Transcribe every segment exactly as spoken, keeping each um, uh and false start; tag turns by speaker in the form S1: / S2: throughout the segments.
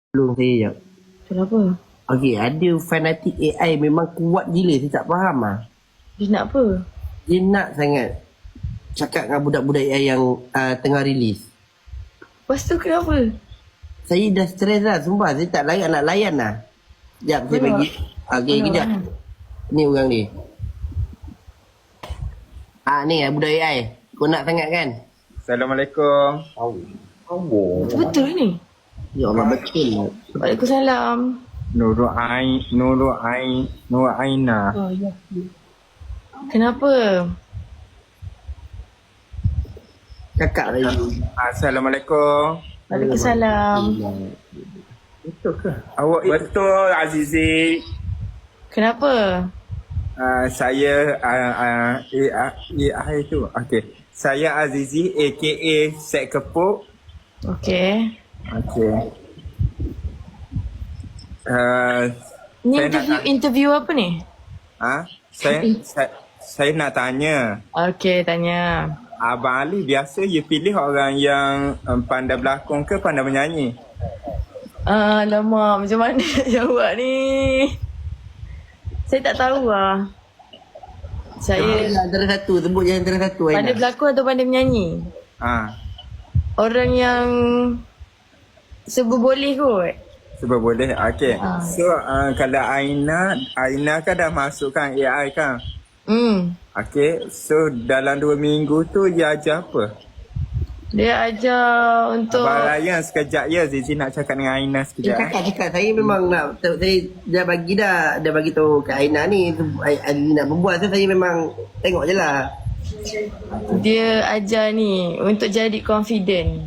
S1: Tolong saya jap.
S2: Kenapa?
S1: Okey, ada fanatik A I memang kuat gila. Saya tak faham lah.
S2: Dia nak apa?
S1: Dia nak sangat cakap dengan budak-budak A I yang uh, tengah rilis.
S2: Lepas tu kenapa?
S1: Saya dah stres lah, sumpah. Saya tak layak nak layan lah. Sekejap, saya
S2: Mana?
S1: bagi. Okey,
S2: Mana?
S1: kejap. Ni orang ni. Ah ni budak A I. Kau nak sangat kan?
S3: Assalamualaikum.
S2: Betul ni?
S1: Ya Allah, betul.
S2: Waalaikumsalam.
S3: Nurul Ain, Nurul Ain, Nurul Aina.
S2: Oh, ya. Kenapa?
S1: Cakap lagi.
S3: Assalamualaikum.
S2: Waalaikumsalam.
S1: Betul ke?
S3: Awak betul Azizi.
S2: Kenapa?
S3: Uh, saya uh, uh, A I tu. Okey. Saya Azizi aka Sek Kepuk.
S2: Okey.
S3: Okey. Uh,
S2: Ni
S3: Saya
S2: interview,
S3: nak-
S2: interview apa ni?
S3: ah, saya, saya saya nak tanya.
S2: Okey, tanya.
S3: Abang Ali biasa you pilih orang yang um, pandai berlakon ke pandai menyanyi?
S2: Ah, lama macam mana nak jawab ni? Saya tak tahu lah. Saya
S1: Saya antara satu, sebut je antara satu.
S2: pandai
S1: Aina.
S2: berlakon atau pandai menyanyi?
S3: Ah,
S2: Orang yang serba boleh kot.
S3: sebab boleh. Okey.
S2: Ah.
S3: So uh, kalau Aina, Aina kan dah masukkan A I kan?
S2: Hmm.
S3: Okey. So dalam dua minggu tu dia ajar apa?
S2: Dia ajar untuk
S3: Abang Ryan sekejap ya. Zizi nak cakap dengan Aina
S1: Dia
S3: sekejap. eh.
S1: cakap cakap saya memang nak saya dah bagi dah dah bagi tahu ke Aina ni tu Ali nak berbuat, so saya memang tengok je lah.
S2: dia ajar ni untuk jadi confident.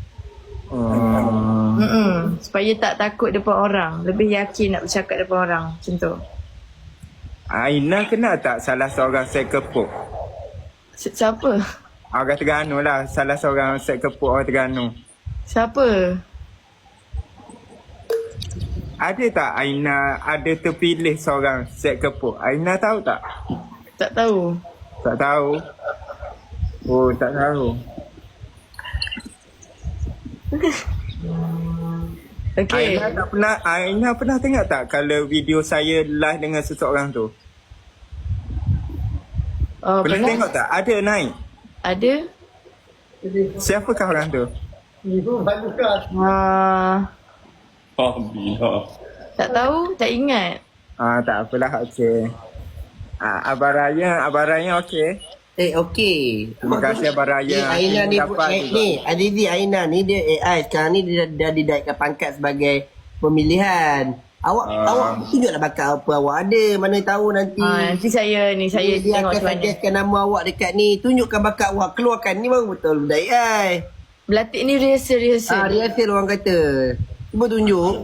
S3: Hmm.
S2: Mm-mm. Supaya tak takut depan orang, lebih yakin nak bercakap depan orang. Macam tu.
S3: Aina kenal tak salah seorang set kepuk?
S2: Si- Siapa?
S3: Orang Terengganu lah. Salah seorang set kepuk orang Terengganu.
S2: Siapa?
S3: Ada tak Aina ada terpilih seorang set kepuk? Aina tahu tak?
S2: Tak tahu.
S3: Tak tahu. Oh, tak tahu.
S2: Okey.
S3: Aina tak pernah Aina pernah tengok tak kalau video saya live dengan seseorang tu?
S2: Oh,
S3: Pernah
S2: pernah?
S3: tengok tak? Ada naik.
S2: Ada?
S3: Siapakah orang tu?
S2: Ah,
S4: Alhamdulillah.
S2: tak tahu, tak ingat.
S3: Ah, tak apalah, okey. Ah, Abang Raya, Abang Raya okey.
S1: Eh okey.
S3: Terima kasih Abang Raya.
S1: Eh, Aina ni
S3: Dapat
S1: eh,
S3: juga.
S1: ni Azizi Aina ni dia A I sekarang ni dia dah, dah dinaikkan pangkat sebagai pemilihan. Awak
S3: Ah.
S1: awak tunjuklah bakat apa awak ada, mana tahu nanti.
S2: Ah, nanti saya ni saya
S1: dia
S2: tengok
S1: akan
S2: macam mana.
S1: suggestkan nama awak dekat ni, tunjukkan bakat awak, keluarkan ni baru betul budak A I.
S2: Berlatih ni rehearsal
S1: Ah,
S2: rehearsal.
S1: rehearsal orang kata. Cuba tunjuk.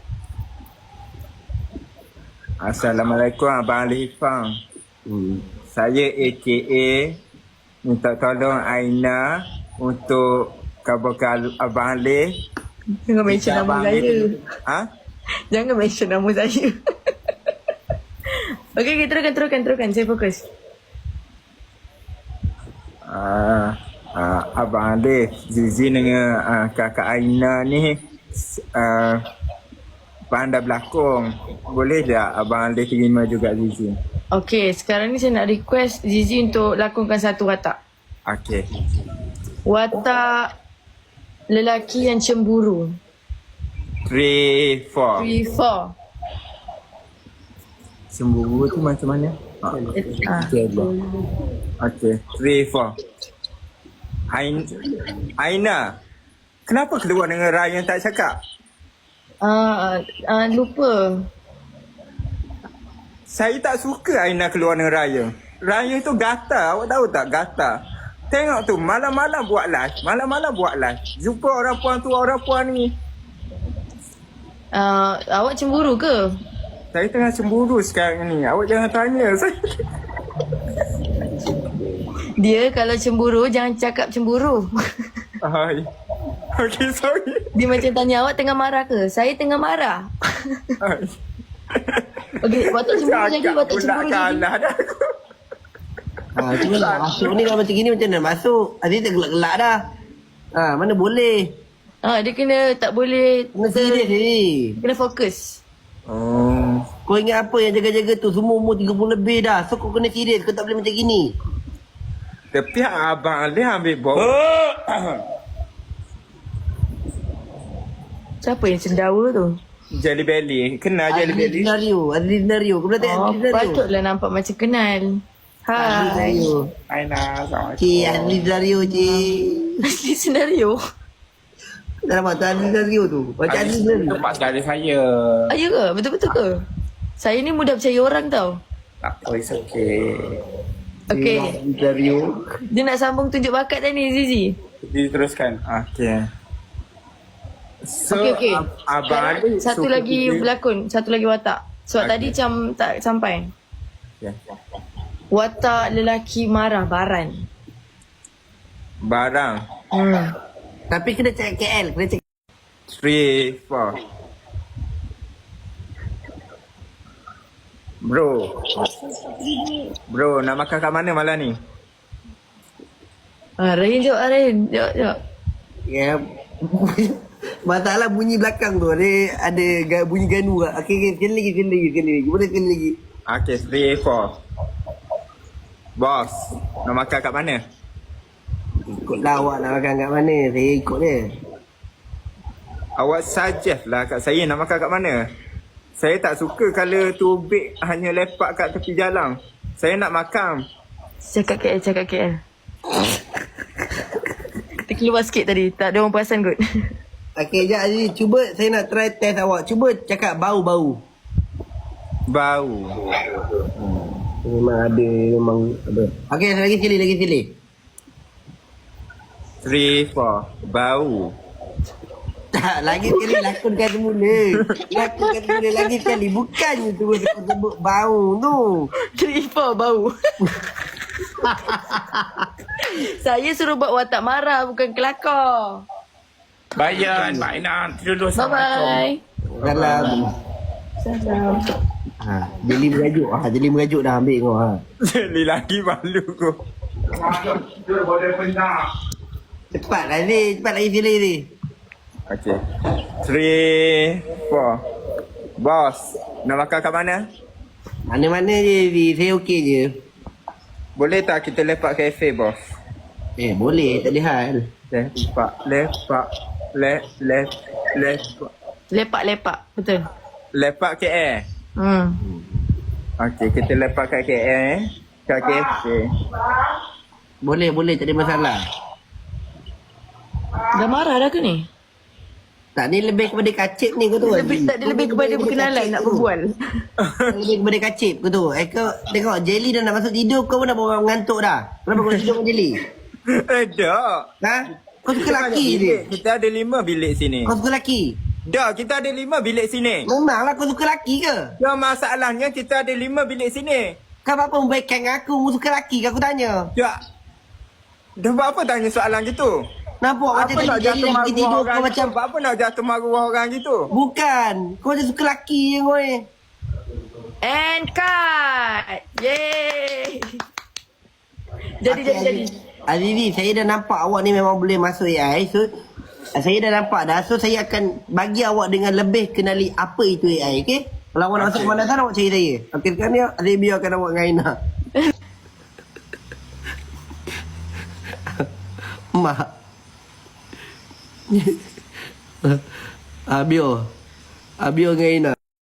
S3: Assalamualaikum Abang Ali Hifang.
S1: Hmm.
S3: Saya A K A minta tolong Aina untuk kabarkan Abang Ali.
S2: Jangan mention nama
S3: Abang
S2: saya.
S3: Ali- Ha?
S2: Jangan mention nama saya. Okey, okay, teruskan, teruskan, teruskan. Saya fokus.
S3: Ah, ah, Abang Ali, Zizi dengan ah, kakak Aina ni ah, pandai berlakon. Boleh tak Abang Ali terima juga Zizi?
S2: Okey, sekarang ni saya nak request Zizi untuk lakonkan satu watak.
S3: Okey.
S2: Watak lelaki yang cemburu.
S3: Three, four.
S2: Three, four.
S3: Cemburu tu macam mana? Ah.
S2: Ah.
S3: Okay, okay. Three, four. Ain, Aina, kenapa keluar dengan Ryan tak cakap?
S2: Ah, ah, lupa.
S3: Saya tak suka Aina keluar dengan Ryan. Ryan tu gatal, awak tahu tak? Gatal. Tengok tu, malam-malam buat live. Malam-malam buat live. Jumpa orang puan tu, orang puan ni.
S2: Ah, awak cemburu ke?
S3: Saya tengah cemburu sekarang ni. Awak jangan tanya saya.
S2: Dia kalau cemburu jangan cakap cemburu.
S3: Hai. Okay, sorry.
S2: Dia macam tanya awak tengah marah ke? Saya tengah marah.
S3: Hai.
S2: Okey, watak cemburu jadi,
S3: Cakap
S2: watak
S3: pula
S2: cemburu jadi.
S3: kalah dah aku.
S1: Ha, cuma nak masuk ni kalau macam gini macam mana nak masuk? Aziz tak gelak-gelak dah. Ha, mana boleh.
S2: Ha, dia kena tak boleh
S1: Kena serius ni.
S2: kena fokus.
S3: Oh.
S1: Kau ingat apa yang jaga-jaga tu? Semua umur tiga puluh lebih dah. So kau kena serius. Kau tak boleh macam gini.
S3: Tapi abang dia ambil bawa.
S2: Siapa yang cendawa tu?
S3: Jelly belly. Kenal jelly
S1: Ada
S3: belly?
S1: senario. Ada senario. Kau boleh tengok
S2: Oh,
S1: ada senario.
S2: patutlah nampak macam kenal.
S1: Ada
S2: Hai.
S1: senario.
S3: Aina, Assalamualaikum.
S1: Cik, ada senario cik.
S2: Asli senario.
S1: Dah nampak tak ada senario tu. Macam ada senario.
S4: Tempat saudara saya.
S2: Ah, ya ke? Betul-betul ke? Saya ni mudah percaya orang tau.
S4: Tak apa, it's okay.
S2: Okay.
S1: Ada senario.
S2: Dia nak sambung tunjuk bakat tadi, Zizi.
S4: Diteruskan.
S3: Okay. So,
S2: Okey, okey.
S3: ab- abang
S2: Sekarang
S3: ada
S2: satu
S3: suka
S2: lagi
S3: kita-
S2: berlakon, satu lagi watak. Sebab
S3: Okey.
S2: tadi macam tak sampai.
S3: Ya.
S2: Watak lelaki marah baran.
S3: Barang.
S2: Hmm.
S1: Tapi kena cek K L. Kena cek.
S3: Three, four. Bro. Bro, nak makan kat mana malam ni?
S2: Ah, Rahin jawab, ah, Rahin. Jawab, jawab.
S1: Ya. Masalah bunyi belakang tu. Ada ada ga- bunyi ganu lah. Okey, okay, sekali lagi, sekali lagi, sekali lagi. Boleh sekali lagi.
S3: Okay, three, four. Bos, nak makan kat mana?
S1: Ikutlah awak nak makan kat mana. Saya ikut dia.
S3: Awak suggest lah kat saya nak makan kat mana. Saya tak suka kalau tubik hanya lepak kat tepi jalan. Saya nak makan.
S2: Cakap K L, cakap K L. Kita keluar sikit tadi. Tak ada orang perasan kot.
S1: Okey, sekejap Aziz. Cuba saya nak try test awak. Cuba cakap bau-bau.
S3: Bau.
S1: Memang ada, memang ada. Okey, lagi sekali, lagi sekali.
S3: Three, four. Bau.
S1: Tak, lagi sekali lakonkan semula. Lakonkan semula lagi sekali. Bukannya tu sebut bau tu.
S2: Three, four, bau. Saya suruh buat watak marah, bukan kelakar.
S4: Bayan, Mak Aina. Dulu,
S2: Bye-bye.
S1: Dalam.
S2: Salam.
S1: Ha, jeli merajuk. Ha, jeli merajuk dah ambil kau. Ha.
S3: Jadi lagi malu kau.
S1: Cepat lah ni. Cepat lagi sekali ni.
S3: Okay. Three, four. Bos, nak makan kat mana?
S1: Mana-mana je ni. Saya okey je.
S3: Boleh tak kita lepak kafe, bos?
S1: Eh, boleh. Tak ada hal.
S3: Lepak, lepak, le, le, lepak.
S2: Lepak-lepak. Betul.
S3: Lepak K L.
S2: Hmm.
S3: Okay, kita lepak kat K L eh. Kat kafe.
S1: Boleh, boleh. Tak ada masalah.
S2: Dah marah dah ke ni?
S1: Tak, ni lebih kepada kacip ni kau tu.
S2: Lebih, tak, dia lebih kepada berkenalan, nak berbual.
S1: Lebih kepada kacip kau tu. Eh, kau tengok Jelly dah nak masuk tidur. Kau pun dah bawa mengantuk dah. Kenapa kau tidur dengan Jelly?
S3: Eh, tak.
S1: Ha? Kau suka
S3: Kita
S1: laki
S3: banyak
S1: je.
S3: bilik. Kita ada lima bilik sini.
S1: Kau suka laki?
S3: Dah, kita ada lima bilik sini.
S1: Memanglah kau suka laki ke?
S3: Yang masalahnya kita ada lima bilik sini.
S1: Kau apa membaikkan aku? Kau suka laki ke aku tanya?
S3: Tak. Dah buat apa tanya soalan gitu?
S1: Nampak macam
S3: Apa nak
S1: tadi Jelly
S3: jatuh
S1: dah pergi
S3: maruah
S1: tidur
S3: orang
S1: kau
S3: gitu?
S1: macam...
S3: Apa nak jatuh maruah orang gitu?
S1: Bukan. Kau macam suka laki je kau ni.
S2: And cut. Yeay. Jadi, jadi, jadi.
S1: Azizi, saya dah nampak awak ni memang boleh masuk A I. So, saya dah nampak dah. So, saya akan bagi awak dengan lebih kenali apa itu A I. Okay? Kalau awak nak masuk pemanasan, awak cari saya. Okay, sekarang ni saya biarkan awak dengan Aina. Mak. Abio. Abio dengan Aina.